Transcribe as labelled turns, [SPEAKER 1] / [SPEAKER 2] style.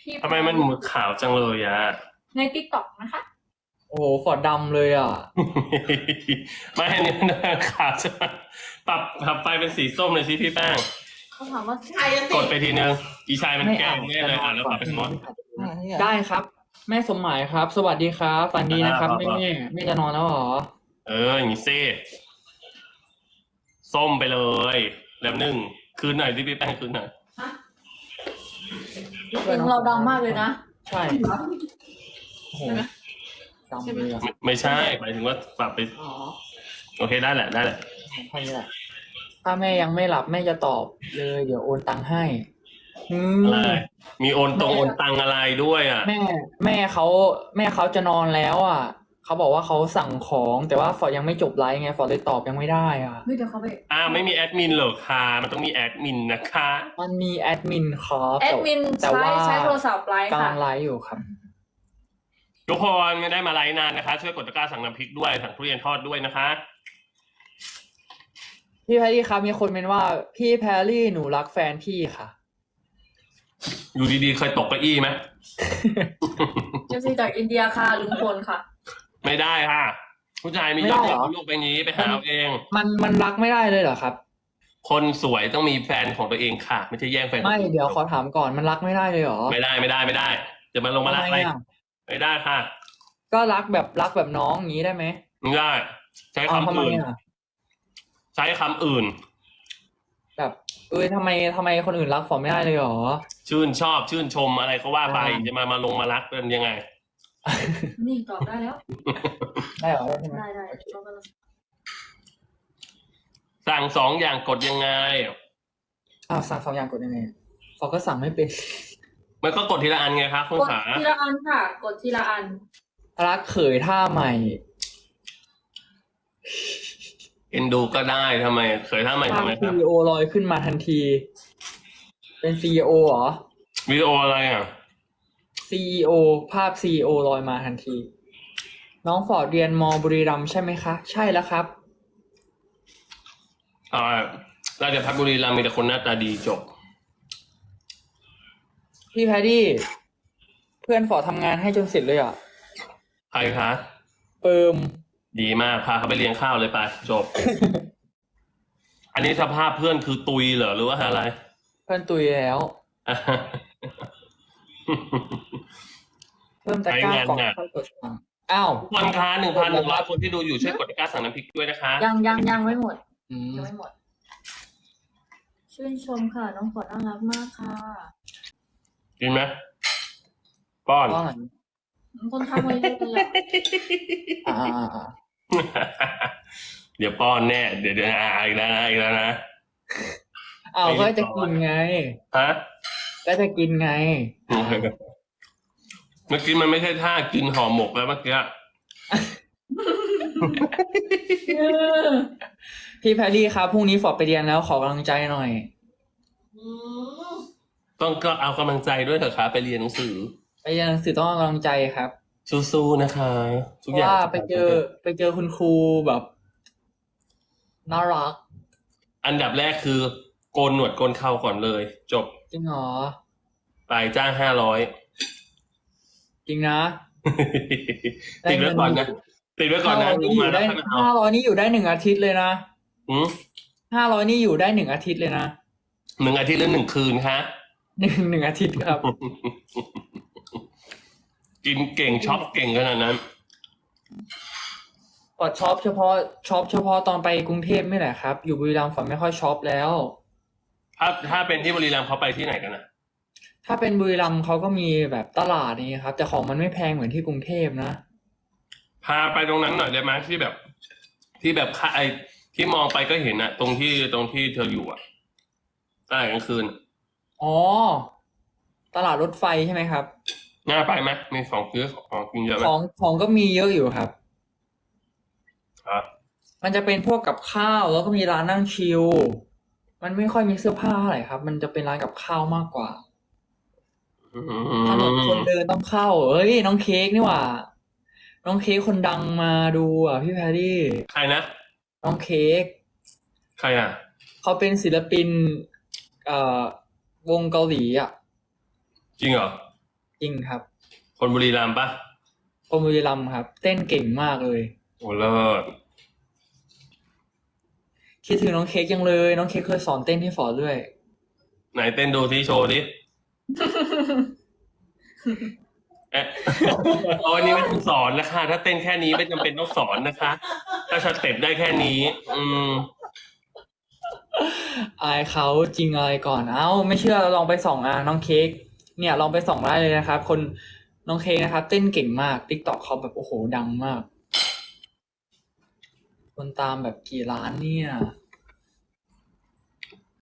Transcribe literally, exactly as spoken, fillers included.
[SPEAKER 1] พี่
[SPEAKER 2] ทำไมมันหมือขาวจังเลยอะ
[SPEAKER 1] ในติ๊กต็อกนะคะ
[SPEAKER 3] โอ้โหฟอร์ดดำเลยอ่ะ
[SPEAKER 2] ไม่อันนี้มันขาวใช่ไหมปรับปรับไฟเป็นสีส้มเลยสิพี่แป้ง
[SPEAKER 1] เขาถามว่า
[SPEAKER 4] ใครจะ
[SPEAKER 2] ก
[SPEAKER 4] ติ
[SPEAKER 2] ด
[SPEAKER 4] ด
[SPEAKER 2] ไปทีนึงอีชายมัน
[SPEAKER 3] ไม่
[SPEAKER 2] แกล้
[SPEAKER 3] อ่าง น
[SPEAKER 2] แน่เลยอ่านแล้วปรับเป็นมอส
[SPEAKER 3] ได้ครับ แม่สมหมายครับ สวัสดีครับฝันดีนะครับ
[SPEAKER 2] ครับ
[SPEAKER 3] แม่แม่จะนอนแล้วเหรอ
[SPEAKER 2] เอออย่างนี้ซิส้มไปเลยแล้วหนึ่งคืนหน่อยที่พี่แป้งคืนหน่อย
[SPEAKER 1] เสียงเราดังมากเลยนะ
[SPEAKER 3] ใช่โอ้โหดำเลยอ่ะ
[SPEAKER 2] ไม่ไม่ใช่หมายถึงว่าปรับไป
[SPEAKER 1] อ๋อ
[SPEAKER 2] โอเคได้แหละได้แหละ
[SPEAKER 3] ของพันนี่แหละถ้าแม่ยังไม่หลับแม่จะตอบเลย เดี๋ยวโอนตังค์ให้อืม
[SPEAKER 2] อะไรมีโอนตรงโอนตังอะไรด้วยอ่ะ
[SPEAKER 3] แม่แม่เขาแม่เขาจะนอนแล้วอ่ะเขาบอกว่าเขาสั่งของแต่ว่าฟอร์ดยังไม่จบไลฟ์ไงฟอร์ดเลยตอบยังไม่ได้อ่ะ
[SPEAKER 1] เฮ้ยเดี๋ยวเขาไป
[SPEAKER 2] อ้าวไม่มีแอดมินเหรอคะมันต้องมีแอดมินนะคะ
[SPEAKER 3] มันมีแอดมินครับ
[SPEAKER 1] แอดมิน
[SPEAKER 3] แต่
[SPEAKER 1] ใช้
[SPEAKER 3] ว่า
[SPEAKER 1] ใช้โทรศัพท์ไลฟ์
[SPEAKER 3] กำ
[SPEAKER 1] ค่ะ
[SPEAKER 3] ลังไลฟ์อยู่ครับ
[SPEAKER 2] ทุกคนไม่ได้มาไลฟ์นานนะคะ ช่วยกดตะกร้าสั่งน้ำพริกด้วยสั่งทุเรียนทอดด้วยนะคะ
[SPEAKER 3] พี่แพรรี่ครับมีคนเป็นว่าพี่แพรรี่หนูรักแฟนพี่ค่ะ
[SPEAKER 2] อยู่ดีๆเคยตกเก้าอี้ไหม
[SPEAKER 1] เจสซี่จากอินเดียค่ะลุงพลค่ะ
[SPEAKER 2] ไม่ได้ค่ะ ผู้ชายมี
[SPEAKER 3] ไม่
[SPEAKER 2] ย
[SPEAKER 3] ได้
[SPEAKER 2] อด
[SPEAKER 3] เหร
[SPEAKER 2] เยี่ย
[SPEAKER 3] อ
[SPEAKER 2] มโลกใบนี้ไปหาเอาเอง
[SPEAKER 3] มันมันรักไม่ได้เลยเหรอครับ
[SPEAKER 2] คนสวยต้องมีแฟนของตัวเองค่ะ ไม่ใช่แย่งแฟน
[SPEAKER 3] ไม่เดี๋ยวขอถามก่อนมันรักไม่ได้เลยเหรอ
[SPEAKER 2] ไม่ได้ไม่ได้ไม่ได้ จะมาลงมารัก
[SPEAKER 3] ทำ
[SPEAKER 2] อะไร
[SPEAKER 3] ไมอ่ะ
[SPEAKER 2] ไม่ได้ค่ะ
[SPEAKER 3] ก็รักแบบรักแบบน้องอย่างนี้ได้ไหม
[SPEAKER 2] ไม่ได้ ใช้
[SPEAKER 3] เอา
[SPEAKER 2] คำ
[SPEAKER 3] ทำไม
[SPEAKER 2] อื่น
[SPEAKER 3] อ่ะ
[SPEAKER 2] ใช้คำอื่น
[SPEAKER 3] แบบเอ้ยทำไมทำไมคนอื่นรักฟอร์ดไม่ได้เลยเหรอ
[SPEAKER 2] ชื่นชอบชื่นชมอะไรก็ว่าไป
[SPEAKER 3] อ่า
[SPEAKER 2] จะมามาลงมารักเป็นยังไง
[SPEAKER 1] นี่ตอบได้แล้ว
[SPEAKER 3] ได้เหรอได้ใช่ไหม
[SPEAKER 1] ได้ได้เรากำลัง
[SPEAKER 2] สั่งสองอย่างกดยังไง
[SPEAKER 3] อ้าวสั่งสองอย่างกดยังไงฟอร์ดก็สั่งไม่เป็น
[SPEAKER 2] มันก็กดทีละอันไงครับคุณ
[SPEAKER 1] กด
[SPEAKER 2] ขา
[SPEAKER 1] ทีละอันค่ะ กดทีละอัน
[SPEAKER 3] รักเขยท่าใหม่
[SPEAKER 2] เอ็นดูก็ได้ทำไม เคยทำไม
[SPEAKER 3] ภา
[SPEAKER 2] ทำ
[SPEAKER 3] พ
[SPEAKER 2] ไมค
[SPEAKER 3] ซี
[SPEAKER 2] รับ
[SPEAKER 3] อีโอลอยขึ้นมาทันที เป็นซีอีโอเหรอ
[SPEAKER 2] วิดีโออะไรอ่ะ
[SPEAKER 3] ซีอีโอภาพซีอีโอลอยมาทันที น้องฟอร์ดเรียนมบุรีรัมย์ใช่ไหมคะ ใช่แล้วครับ
[SPEAKER 2] อ่าราชพัฒบุรีรัมย์มีแต่คนหน้าตาดีจบ
[SPEAKER 3] พี่แพดดี้เพื่อนฟอร์ดทำงานให้จนเสร็จเลยอ่ะ
[SPEAKER 2] ใครคะ
[SPEAKER 3] เปิม
[SPEAKER 2] ดีมากพาเขาไปเลี้ยงข้าวเลยไปจบ อันนี้สภาพเพื่อนคือตุยเหรอหรือว่าอะไร
[SPEAKER 3] เพื่อนตุยแล้ว เพิ่มตะกร้าก่อน
[SPEAKER 2] ใช้งานหนัก
[SPEAKER 3] ค่อยกดสั่งอ้าว
[SPEAKER 2] ทุกคนคะหนึ่งพันหนึ่งร้อยคนที่ดูอยู่ช่วยกดตะกร้าสั่งน้ำพริกด้วยนะคะ
[SPEAKER 1] ยังยังยังไม่หมด
[SPEAKER 3] อืม
[SPEAKER 1] ยังไม่หมด ชื่นชมค่ะ น้องฟอร์ดน่ารักมากค่ะ
[SPEAKER 2] กินไหมป้อน
[SPEAKER 3] ก็หลัง
[SPEAKER 1] คนทำมาเยอะเลยอะ
[SPEAKER 3] อ่าอ่าอ่า
[SPEAKER 2] เดี๋ยวป้อนแน่ เดี๋ยวเดี๋ยวอ่าอีกแล้วนะอีกแล้วนะ
[SPEAKER 3] อ้าวก็จะกินไง
[SPEAKER 2] ฮะ
[SPEAKER 3] ก็จะกินไง
[SPEAKER 2] เมื่อกี้มันไม่ใช่ท่ากินห่อหมกแล้วเมื่อกี้
[SPEAKER 3] พี่แพรรี่ครับพรุ่งนี้ฟอร์ดไปเรียนแล้วขอกำลังใจหน่อย
[SPEAKER 4] อืม
[SPEAKER 2] ต้องก็เอากำลังใจด้วยเถอะครับไปเรียนหนังสือ
[SPEAKER 3] ไปเรียนหนังสือต้องเอากำลังใจครับ
[SPEAKER 2] สู้ๆนะคะ ทุ
[SPEAKER 3] เพ
[SPEAKER 2] ก
[SPEAKER 3] ราะ
[SPEAKER 2] อย่าง
[SPEAKER 3] ว่าไปเจอไปเจอคุณครูแบบน่ารัก
[SPEAKER 2] อันดับแรกคือโกนหนวดโกนเข่าก่อนเลย จบ
[SPEAKER 3] จริงเหรอ
[SPEAKER 2] ไปจ้างห้าร้อย
[SPEAKER 3] จริงนะ
[SPEAKER 2] ติดไว้ก่อนนะติดไว้ก่อน
[SPEAKER 3] ห้า
[SPEAKER 2] นะ
[SPEAKER 3] ร้อย
[SPEAKER 2] ดู
[SPEAKER 3] นี่อ
[SPEAKER 2] มา
[SPEAKER 3] ยู่
[SPEAKER 2] แล้
[SPEAKER 3] ได้
[SPEAKER 2] วค่อยมาเอา
[SPEAKER 3] ห้าร้อยนี่อยู่ได้หนึ่งอาทิตย์เลยนะ
[SPEAKER 2] หืม
[SPEAKER 3] ห้าร้อยนี่อยู่ได้หนึ่งอาทิตย์เลยนะ
[SPEAKER 2] หนึ่งอาทิตย์หรือหนึ่งคืนคะ
[SPEAKER 3] หนึ่งหนึ่งอาทิตย์ครับ
[SPEAKER 2] กินเก่งช็อปเก่งขนาดนั้น
[SPEAKER 3] ฟอร์ดช็อปเฉพาะช็อปเฉพาะตอนไปกรุงเทพไม่แหละครับ อยู่บุรีรัมย์ฟอร์ดไม่ค่อยช็อปแล้ว
[SPEAKER 2] ถ้าถ้าเป็นที่บุรีรัมย์เขาไปที่ไหนกันนะ
[SPEAKER 3] ถ้าเป็นบุรีรัมย์เขาก็มีแบบตลาดนี้ครับ แต่ของมันไม่แพงเหมือนที่กรุงเทพนะ
[SPEAKER 2] พาไปตรงนั้นหน่อยได้ไหมที่แบบ ที่แบบค่าไอที่มองไปก็เห็นอะตรงที่ตรงที่เธออยู่อะตลาดกลางคืน
[SPEAKER 3] อ๋อ ตลาดรถไฟใช่ไหมครับ
[SPEAKER 2] น่าไปไหมมีของซื้อของกินเยอะไหม
[SPEAKER 3] ของของก็มีเยอะอยู่ครับ
[SPEAKER 2] ครับ
[SPEAKER 3] มันจะเป็นพวกกับข้าวแล้วก็มีร้านนั่งชิล มันไม่ค่อยมีเสื้อผ้าเท่าไหร่ครับ มันจะเป็นร้านกับข้าวมากกว่า
[SPEAKER 2] อื
[SPEAKER 3] ถนนคน
[SPEAKER 2] ม
[SPEAKER 3] เดินต้องเข้า เอ้ย น้องเค้กนี่หว่า น้องเค้กคนดังมาดูอ่ะพี่แพรรี่
[SPEAKER 2] ใครนะ
[SPEAKER 3] น้องเค้ก
[SPEAKER 2] ใครอ่ะ
[SPEAKER 3] เขาเป็นศิลปิน เอ่อ วงเกาหลีอ่ะ
[SPEAKER 2] จริงเหรอ
[SPEAKER 3] จริงครับ
[SPEAKER 2] คนบุรีรัมย์ปะ
[SPEAKER 3] คนบุรีรัมย์ครับ เต้นเก่งมากเลย
[SPEAKER 2] โอ้เลิศ
[SPEAKER 3] คิดถึงน้องเค้กจังเลย น้องเค้กเคยสอนเต้นให้ฟอร์ดด้วย
[SPEAKER 2] ไหนเต้นดูที่โชว์ดิ เอ๊ะ โอ้ยนี่ไม่ต้องสอนนะคะ ถ้าเต้นแค่นี้ไม่จำเป็นต้องสอนนะคะ ถ้าสเต็ปได้แค่นี้ อืม
[SPEAKER 3] อายเขาจริงอะไรก่อน เอ้า ไม่เชื่อลองไปส่องอ่ะน้องเค้กเนี่ยลองไปส่องได้เลยนะครับ คนน้องเค้กนะครับ เต้นเก่งมาก ติ๊กต็อกเขาแบบโอ้โหดังมาก คนตามแบบกี่ล้านเนี่ย